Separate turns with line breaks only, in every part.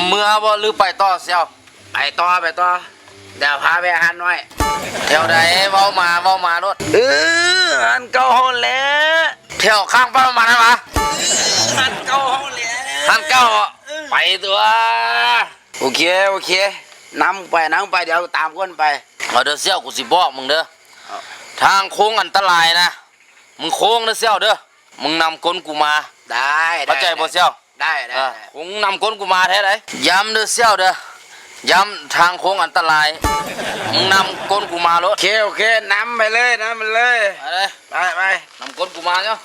เมื่อบ่หรือไปต่อเซียวไปต่อเดี๋ยวพาไปอาหารหน่อยแถวใดเว้ามารถหันเก่าห้องแล้วแถวข้างบ้านมานะวะหันเก่าห้องแล้วหันเก่าไปตัวโอเคนำไปเดี๋ยวตามคนไปเอาเด้อเซียวกูสิบอกมึงเด้อทางโค้งอันตรายนะมึงโค้งเด้อเซียวเด้อมึงนำก้นกูมาได้เข้าใจบ่เซียวได้คงนำก้นกูมาแท้เลยย้ำเด้อเซียวเด้อย้ำทางโค้งอันตรายมึงนำก้นกูมารถโอเคนำไปเลยไปนำก้นกูมาเนาะ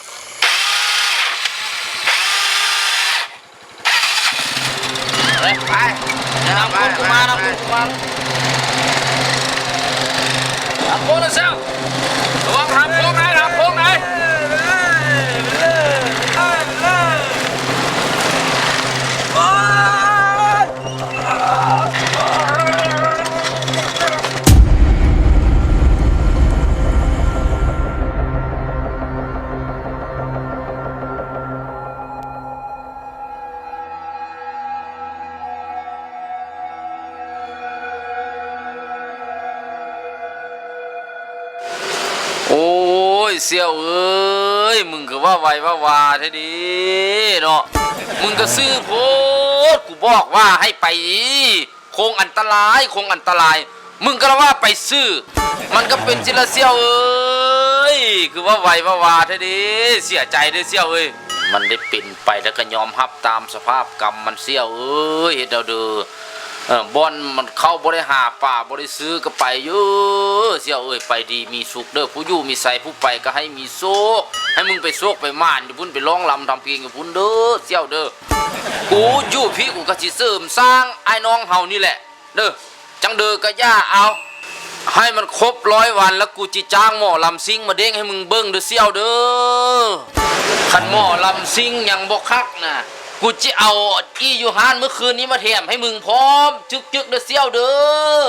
ไปนำก้นกูมานำก้นนะเซียวระวังทำโค้งไหนโอ้ยเสี่ยวเอ้ยมึงก็ว่าไวว่าแท้ดีเนาะมึงก็ซื้อโพดกูบอกว่าให้ไปโค้งอันตรายมึงก็ว่าไปซื้อมันก็เป็นจิละเสี่ยวเอ้ยคือว่าไวว่าแท้ดีเสียใจด้วยเสี่ยวเอ้ยมันได้เป็นไปแล้วก็ยอมรับตามสภาพกรรมมันเสี่ยวเอ้ยเด้อบอนมันเข้าบริหาป่าบริซื้อก็ไปเยอะเสี่ยวเอ้ยไปดีมีสุขเด้อผู้อยู่มีใส่ผู้ไปก็ให้มีโชคให้มึงไปโชคไปม่านอยู่พุ่นไปร้องลำทำเพลงกับพุ่นเด้อเสี่ยวเด้อกูอยู่พี่กูก็สิเสริมสร้างไอ้น้องเฮานี่แหละเด้อจังเด้อก็ย่าเอาให้มันครบ100 วันแล้วกูจิจ้างหมอลำซิงมาเด้งให้มึงเบิ้งเด้อเสี่ยวเด้อขันหมอลำซิงยังบ่คักนะกูจะเอาอียูฮานเมื่อคืนนี้มาแถมให้มึงพร้อมจึกเด้อเซี่ยวเด้อ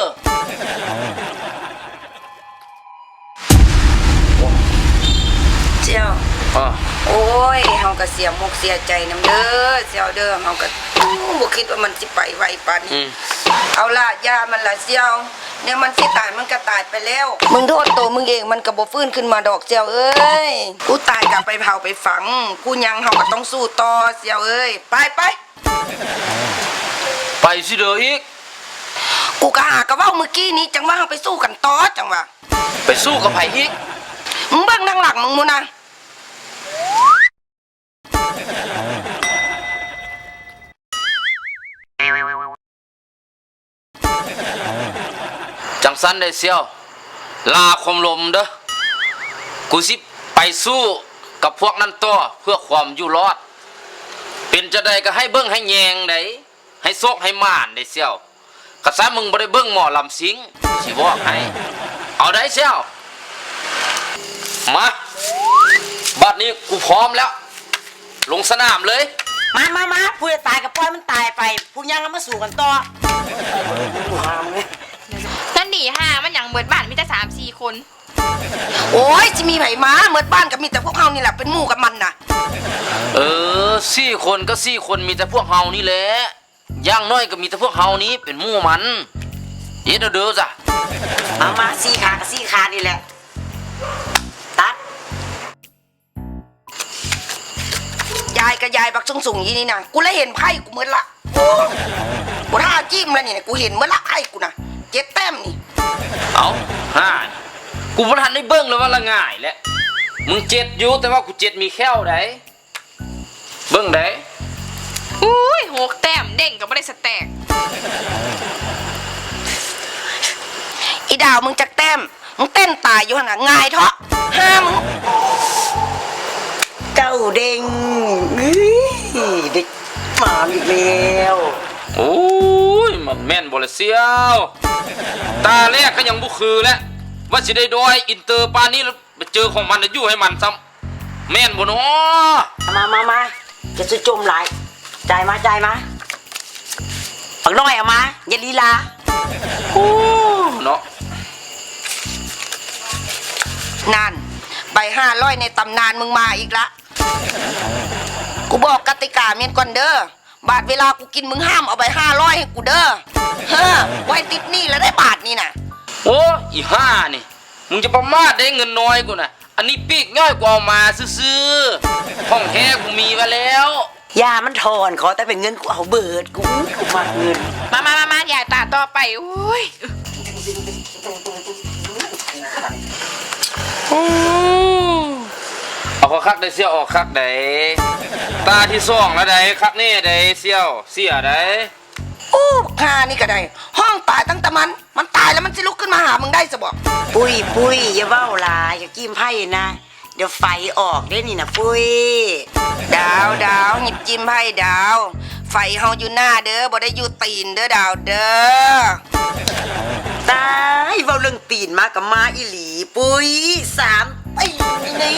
เจียวโอ้ยเฮาก็เสียมุกเสียใจนำเด้อเจียวเด้อเฮาก็บ่คิดว่ามันสิไปไวปานนี้เอาล่ะยามันล่ะเจียวเนี่ยมันสิตายมันก็ตายไปแล้วมึงโทษตัวมึงเองมันก็บ่ฟื้นขึ้นมาดอกเจียวเอ้ยกูตายกลับไปเผาไปฝังกูยังเฮาก็ต้องสู้ต่อเจียวเอ้ยไป
สิเด้ออีก
กูก็หาก็เว้าเมื่อกี้นี้จังว่าเฮาไปสู้กันต่อจังว่า
ไปสู้กับไผอีก
มึงเบิ่งทางหลังมึงมูนะ
จังสันได้เซี่ยวลาคมลมเด้อกูสิไปสู้กับพวกนั้นต่อเพื่อความอยู่รอดเป็นจะได้ก็ให้เบิ้งให้แยงได้ให้โซกให้ม่านได้เซี่ยวกระซะมึงบ่ได้เบิ้งหมอลำสิงสิบอกให้เอาได้เซี่ยวมาบัดนี้กูพร้อมแล้วลงสนามเลย
มาผู้จะตายกับปล่อยมันตายไปผู้ยังแล้วมาสู่กันต่อ
นั่นดีฮะมันอย่างเบิดบ้านมีแต่3-4 คน
โอ้ยจะมีไผมาเมื่อบ้านก็มีแต่พวกเฮานี่แหละเป็นหมู่กับมันน่ะ
4 คนก็4 คนมีแต่พวกเฮานี่แหละย่างน้อยก็มีแต่พวกเฮานี้เป็นหมู่มันเฮ็ดเด้อจ้ะ
มา4 ขากับ4 ขานี่แหละตัด
ยายกับยายบักสูงๆยี่นี่นะกูเลยเห็นไพ่กูเหมือนละกูท่าจิ้มแล้วนี่กูเห็นเหมือนละไพ่กูนะ7 แต้มนี่
เอากูบ่ทันได้เบิ่งเลยว่าละง่ายแหละมึง7อยู่แต่ว่ากู7มีแค่วไดเบิ่งได้
อุ้ย6 แต้มเด้งก็บ่ได้สแต็ก
อีดาวมึงจักแต้มมึงเต้นตายอยู่หั่นน่ะง่ายเถาะห้ามึง
เก้าเด้งเด็กมาอีกแล้ว
โอ้ยมันแม่นบ่ละเซี่ยวตาแรกก็ยังบ่คือแล้วว่าสิได้ดอยอินเตอร์ปานนี้แล้วไปเจอของมันอยู่ให้มันซ้ำแม่นบ่เนาะ
มาจะซื้อจมหลายจ่ายมาปักน้อยเอามาอย่าลีลา
โอ้เนาะ
นั่นใบ500ในตำนานมึงมาอีกละกูบอกกติกาเมียนก่อนเด้อบาทเวลากูกินมึงห้ามเอาไป500ให้กูเด้อเฮ้อไว้ติดหนี่แล้วได้บาทนี่น่ะ
โอ้อีห่านี่มึงจะประมาทได้เงินน้อยกูน่ะอันนี้ปีกง่ายกว่าเอามาซื้อๆห้องแท้กูมีมาแล้ว
ยามันถอนขอแต่เป็นเงินกูเอาเบิดกูมาเงิน
มาอย่าตาต่อไปโอ้ย
เอาเขาคักได้เสี่ยวออกคักได้ตาที่ซ่องแล้วได้คักนี่ได้เสี่ยวเสียได้
อู้หานี่ก็ได้ห้องตายตั้งแต่มันตายแล้วมันสิลุกขึ้นมาหามึงได้ซะบ่
ปุ้ยอย่าเว้าหลายอย่าจิ้มไพ่นะเดี๋ยวไฟออกได้นี่นะปุ้ย
ดาวหยิบจิ้มให้ดาวไฟเฮาอยู่หน้าเด้อบ่ได้อยู่ตีนเด้อดาวเด้อ
ตายเว้าเรื่องตีนมากับมาอีหลีปุ้ย3ตีนนี่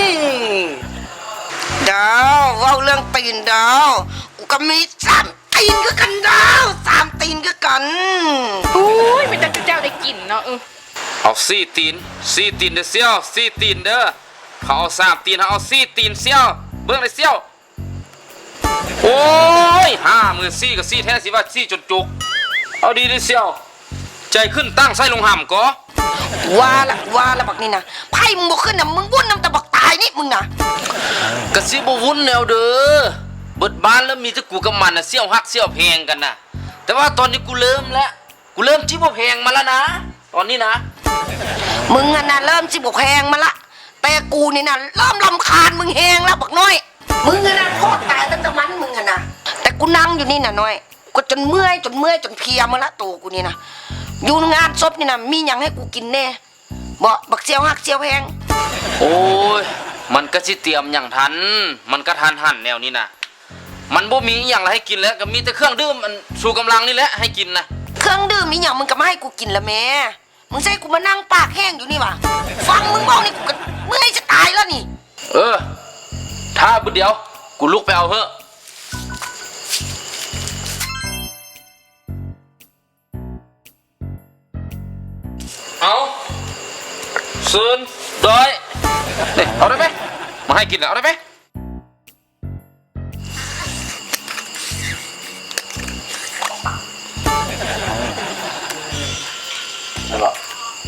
ดาวเว้าเรื่องตีนดาวกูก็มี3ตีนคือกันดาว3ตีนคือกัน
โอ้ยเป็นแต่เจ้าได้กินเนาะ
เอา4 ตีนเด้อเสี่ยว4 ตีนเด้อเขาเอา3 ตีนเขาเอา4 ตีนเสี่ยวเบิ่งได้เสี่ยวโอ้ย5 มือ4กับ4แท้สิว่า4จนจุกเอาดีดิเสี่ยวใจขึ้นตั้งใส่ลงห่ำก็
ว่าละบักนี่นะไพ่มึงบ่ขึ้นน่ะมึงวุ่นน้ำตะบักตายนี่มึงน่ะ
กะสิบ่วุ่นแนวเด้อเบิดบ้านแล้วมีแต่กูกับมันน่ะเสี่ยวฮักเสี่ยวแพงกันน่ะแต่ว่าตอนนี้กูเริ่มจิบ่แพงมาแล้วนะตอนนี้นะ
มึงน่ะเริ่มสิบ่แพงมาละแต่กูนี่น่ะเริ่มรำคาญมึงแฮงแล้วบักน้อยมึงน่ะโคตรตายตั้งแต่มันมึงน่ะแต่กูนั่งอยู่นี่น่ะน้อยกูจนเมื่อยจนเพลียมาละตัวกูนี่น่ะอยู่งานศพนี่น่ะมีหยังให้กูกินแน่บ่บักเสี่ยวฮักเสี่ยวแพง
โอ้ยมันก็สิเตรียมอย่างทันมันก็ทันหันแนวนี้นะมันบ่มีอหย่างอะไรให้กินแล้วก็มีแต่เครื่องดื่มมันชูกำลังนี่แหละให้กินนะ
เครื่องดื่มมีหยังมึงก็มาให้กูกินละแม่มึงใช่กูมานั่งปากแห้งอยู่นี่วะฟังมึงบอกนี่กูก็เมื่อยจะตายแล้วนี่
ถ้าบุดเดียวกูลุกไปเอาเถอะเอาซึนดอยนี่เอาได้ไหมมาให้กินแล้วเอาได้ไหมได้หรอ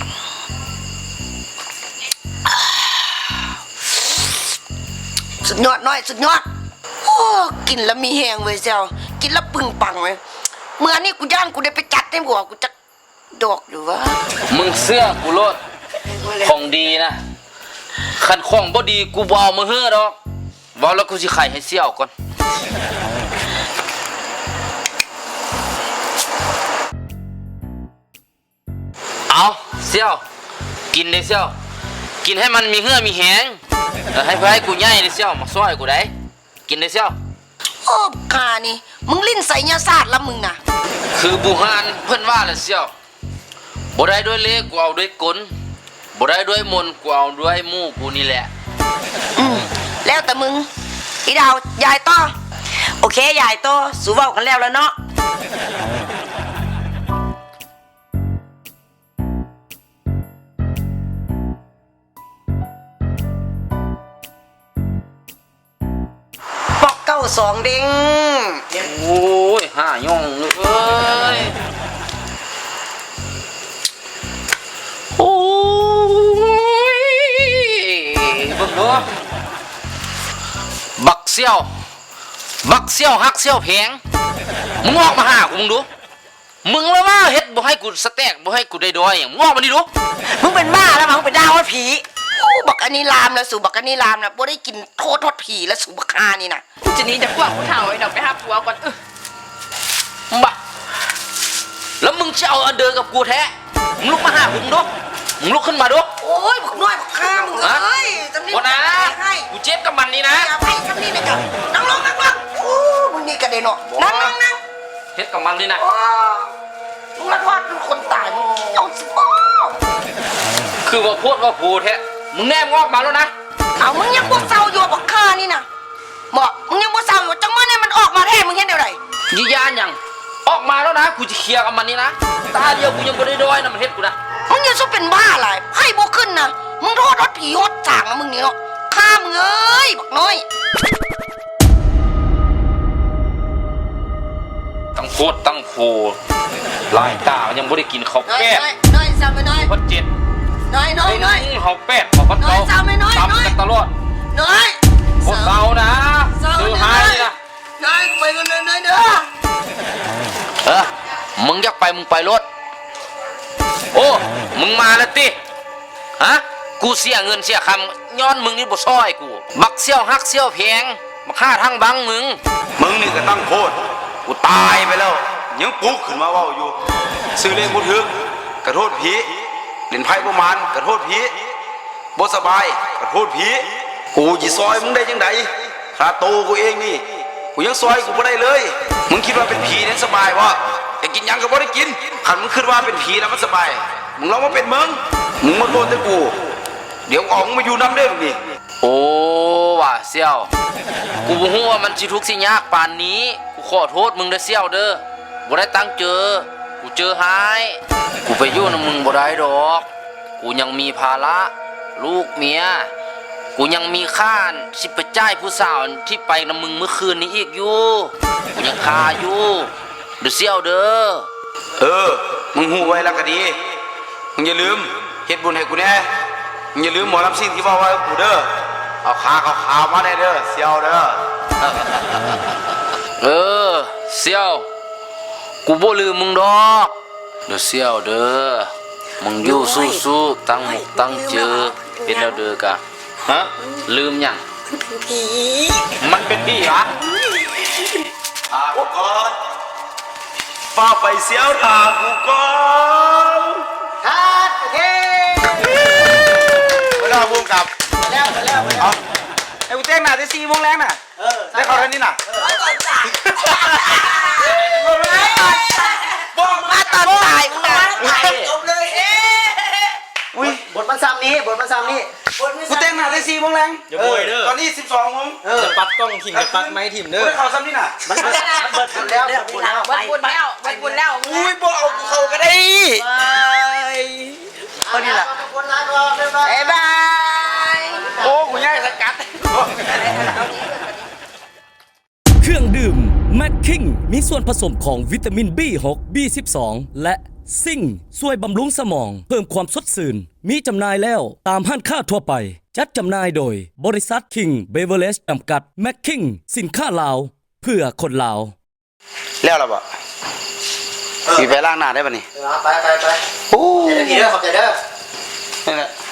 สุดยอดน้อยสุดยอดโอ้กินแล้วมีแหงเว้ยเจ้ากินแล้วปึงปังเว้ยเมื่อนี่กูย่านกูได้ไปจัดให้หัวกูจะดอกอยู่วะ
มึงเสื้อกูโลดของดีนะขันของบ่ดีกูบเอามาเฮ้อดอกบอแล้วกูสิไข่ให้เสี่ยวก่อนเอาเสี่ยวกินได้เสี่ยวกินให้มันมีเหื่อมีแหงให้เพื่อให้กูย่ายได้เสี่ยวมาซ้อยกูได้กินได้เสี่ยว
โอ้กานี่มึงลิ้นใส่ยาศาสตร์ละมึงน่ะ
คือบูฮานเพิ่นว่าละเสี่ยวบ่ได้ด้วยเลขกูเอาด้วยกลบ่ได้ด้วยมนต์กูเอาด้วยหมู่กูนี่แหละ
แล้วแต่มึงอีดาวยายต่อ
โอเคยายโตสู้เว้ากันแล้วเนาะปอกเก้า2เด้ง
โอ้ยห่าย่องเลยเอ้ยโอ้ยเบิ่งดูบักเสี่ยวฮักเสี่ยวแพงมึงออกมาหากูมึงดูมึงแล้วว่าเฮ็ดบ่ให้กูสแต็กบ่ให้กูได้ดอยอย่างมึงออกมาดิดู
มึงเป็นบ้าแล้วมึงเป็นดาวผี
โอ้บักอันนี้ลามแล้วสู่บักอันนี้ลามนะบ่ได้กินโทษผีแล้วสู่บักฮานี่นะ
จะหนี้จากพวกผู้เฒ่าไอ้ดอกไปหาผัวก่อน
บ้าแล้วมึงจะเอาอันเดิมกับกูแท้มึงลุกมาหากูมึงดูมึงลุกขึ้นมาดู
โอ้ยบักน้อยบักฮามึงเอ้ยจำนี่
คนนะ
ให้
กูเจ็บกับมันนี่นะ
อย่าไปจำนี่นะจ๊ะนั่งลงโอ้มึงนี่กระเด็นเนาะนั่ง
เฮ็ดกับมันนี่นะ
โอ้มึงรัดวาดเป็นคนตายมึงเอาสิบ่
คือว่าพูดว่าพูดแท้มึงแนมงอกมาแล้วนะ
เอามึงยังบ่เศร้าอยู่บักฮานี่นะบอกมึงยังบ่เศร้าอยู่จังมื้อนี่มันออกมาแท้มึงเห็นเดี๋ยวไหน
ยืนยันยังออกมาแล้วนะกูจะเคลียร์กับมันนี่นะตาเดียวกูยังบ่ได้ดอยนะมันเฮ็ดกูนะ
มึงอย่าสู้เป็นบ้าอะไรไพ่บ่ขึ้นนะมึงโทษรถผีรถจางนะมึงนี่เนาะฆ่ามึงเอ้ยบักน้อย
โคตรตั้งโพลายตายังบ่ได้กินข้าว
น้อย
แป้ง
น้อยซ้ำไปน้อย
พัดเจ็ด
น้อยน้อยน้อย
ข้าวแป้งข้าวพัด
น้อยซ้ำไหมน้อย
ซ้ำกันตลอด
น้อย
โคตรเศร้านะซื้อให้นะ
น้อยไปกันเลยน้อยเด้อ
มึงอยากไปมึงไปรถโอ้มึงมาแล้วติฮะกูเสียเงินเสียคำย้อนมึงนี่บ่ซอยกูบักเสี่ยวฮักเสี่ยวแพงบักฆ่าทั้งบังมึง
มึงนี่ก็ตั้งโทษกูตายไปแล้วยังปลุกขึ้นมาเว้าอยู่ซื้อเลขบ่ถึกกระโทษผีเล่นไพ่ประมาณกระโทษผีบ่สบายกระโทษผีกูสิซอยมึงได้จังไดค่าโตกูเองนี่กูยังซอยกูบ่ได้เลยมึงคิดว่าเป็นผีนั้นสบายบ่แต่กินหยังก็บ่ได้กินคันมึงคิดว่าเป็นผีแล้วมันสบายมึงลองมาเป็นมึงมาโทษแต่กูเดี๋ยวออกมึงมาอยู่นำเด้อนี่
โอ้ว่ะเสี่ยวกูบ่ฮู้ว่ามันสิทุกข์สิยากปานนี้กูขอโทษมึงเด้อเสี่ยวเด้อบ่ได้ตั้งเจอกูเจอหายกูไปอยู่นำมึงบ่ได้ดอกกูยังมีภาระลูกเมียกูยังมีค่าสิไปจ่ายผู้สาวที่ไปนำมึงเมื่อคืนนี้อีกอยู่กูยังคาอยู่เด้อเสี่ยวเด้อ
มึงหูไว้แล้วก็ดีมึงอย่าลืมเฮ็ดบุญให้กูแน่มึงอย่าลืมหมอลำซิ่งที่ว่าไว้กูเด้อเอาขาวมาได้เด้อเสียวเด้อ
เสี่ยวกูบ่ลืมมึงดอกเด้อเสี่ยวเด้อมึงอยู่สู้ๆตั้งหมกตั้งเจอเป็นแล้วเด้อกะฮะลืมหยังมันเป็นผีเหรอ
กูก่อนป้าไปเสียวถากูก่อน
ฮัดโอเค
เวลาบุ้งกับ
แล้ว
เอาไอ้กูเต้นหน่ะได้4 โมงแรงน่ะได้เขาเท่านี้น่ะ
บอกมาตอนตายจบเลยอุ้ยบทมันซ้ำนี้กูเต้นหน่ะได้4 โมงแรง
อย่าป่วยเด้อตอนนี้12 โมง
จะปัดกล้องถิ่มจะปัดไม้ถิ่ม
กู
เด้อ
ได้เขาซ้ำนี่น่ะ
มันเบิดแล้ว
วัดบุญแล้ว
อุ้ยบ่เอากูเข้าก็ได้
คนนี้แหละ
บ๊ายบาย
โอ้กูง่ายสกัด
เครื่องดื่มแมคคิงมีส่วนผสมของวิตามิน B6 B12 และซิงค์ช่วยบำรุงสมอง เพิ่มความสดชื่นมีจำหน่ายแล้วตามห้างค้าทั่วไป จัดจำหน่ายโดยบริษัทคิงเบเวอร์เลจจำกัดแมคคิงสินค้าลาว เพื่อคนลาว
แล้วล่ะบ่สิไปล้างหน้าได้ป่ะนี่
ไปโอ้ใจเด้อขอบใจเด้อ
นี่แหละ